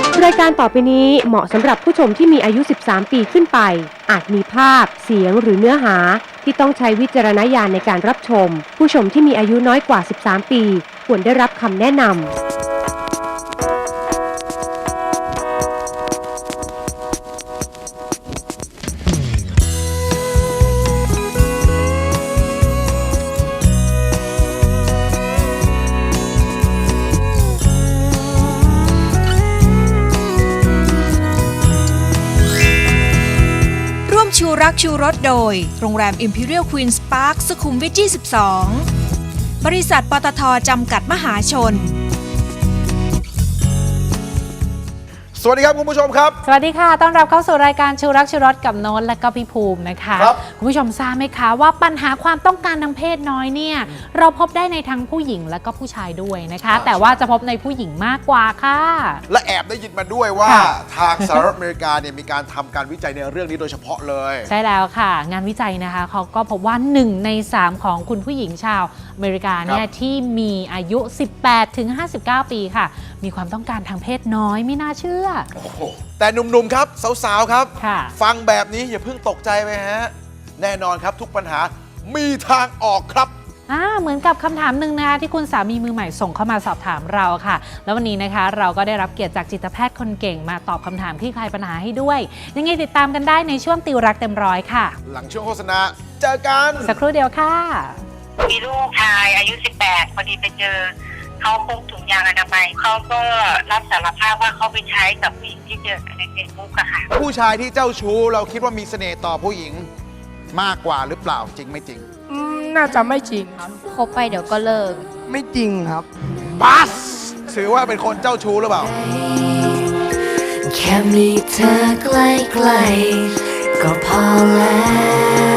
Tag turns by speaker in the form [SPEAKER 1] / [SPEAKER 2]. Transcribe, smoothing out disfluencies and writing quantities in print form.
[SPEAKER 1] รายการต่อไปนี้เหมาะสำหรับผู้ชมที่มีอายุ 13 ปีขึ้นไป อาจมีภาพ เสียงหรือเนื้อหาที่ต้องใช้วิจารณญาณในการรับชม ผู้ชมที่มีอายุน้อยกว่า 13 ปีควรได้รับคำแนะนำ
[SPEAKER 2] ชูรักชูรสโดยโรงแรม Imperial Queen's Park สุขุมวิท 22 บริษัทปตท.จำกัดมหาชน
[SPEAKER 3] สวัสดีครับคุณผู้ชมครับ
[SPEAKER 4] สวัสดีค่ะต้อนรับเข้าสู่รายการชูรักชูรสกับโน้ตและก็พี่ภูมินะคะ คุณผู้ชมทราบไหมคะว่าปัญหาความต้องการทางเพศน้อยเนี่ยเราพบได้ในทั้งผู้หญิงและก็ผู้ชายด้วยนะคะแต่ว่าจะพบในผู้หญิงมากกว่าค่ะ
[SPEAKER 3] และแอบได้ยินมาด้วยว่าทางสหรัฐอเมริกาเนี่ยมีการทำการวิจัยในเรื่องนี้โดยเฉพาะเลย
[SPEAKER 4] ใช่แล้วค่ะงานวิจัยนะคะเขาก็พบว่า1 ใน 3ของคุณผู้หญิงชาวอเมริกาเนี่ยที่มีอายุ 18-59 ปีค่ะมีความต้องการทางเพศน้อยไม่น่าเชื่อ
[SPEAKER 3] แต่หนุ่มๆครับสาวๆครับฟังแบบนี้อย่าเพิ่งตกใจไปฮะแน่นอนครับทุกปัญหามีทางออกครับ
[SPEAKER 4] เหมือนกับคำถามหนึ่งนะคะที่คุณสามีมือใหม่ส่งเข้ามาสอบถามเราค่ะแล้ววันนี้นะคะเราก็ได้รับเกียรติจากจิตแพทย์คนเก่งมาตอบคำถามคลี่คลายปัญหาให้ด้วยยังไงติดตามกันได้ในช่วงติวรักเต็มร้อยค่ะ
[SPEAKER 3] หลังช่วงโฆษณาเจอกัน
[SPEAKER 4] สักครู่เดียวค่ะ
[SPEAKER 5] มีลูกชายอายุ 18 พอดีไปเจอเขาพกถุงยางอนามัยเขาก็รับสารภาพว่าเขาไปใช้กับผู้หญิงที่เจอในเฟซบุ๊กอะค่ะ
[SPEAKER 3] ผู้ชายที่เจ้าชู้เราคิดว่ามีเสน่ห์ต่อผู้หญิงมากกว่าหรือเปล่าจริงไม่จริง
[SPEAKER 6] น่าจะไม่จริงครับ
[SPEAKER 7] คบไปเดี๋ยวก็เลิก
[SPEAKER 6] ไม่จริงครับ
[SPEAKER 3] บัสถือว่าเป็นคนเจ้าชู้หรือเปล่า
[SPEAKER 8] แค่มีเธอใกล้ๆก็พอแล้ว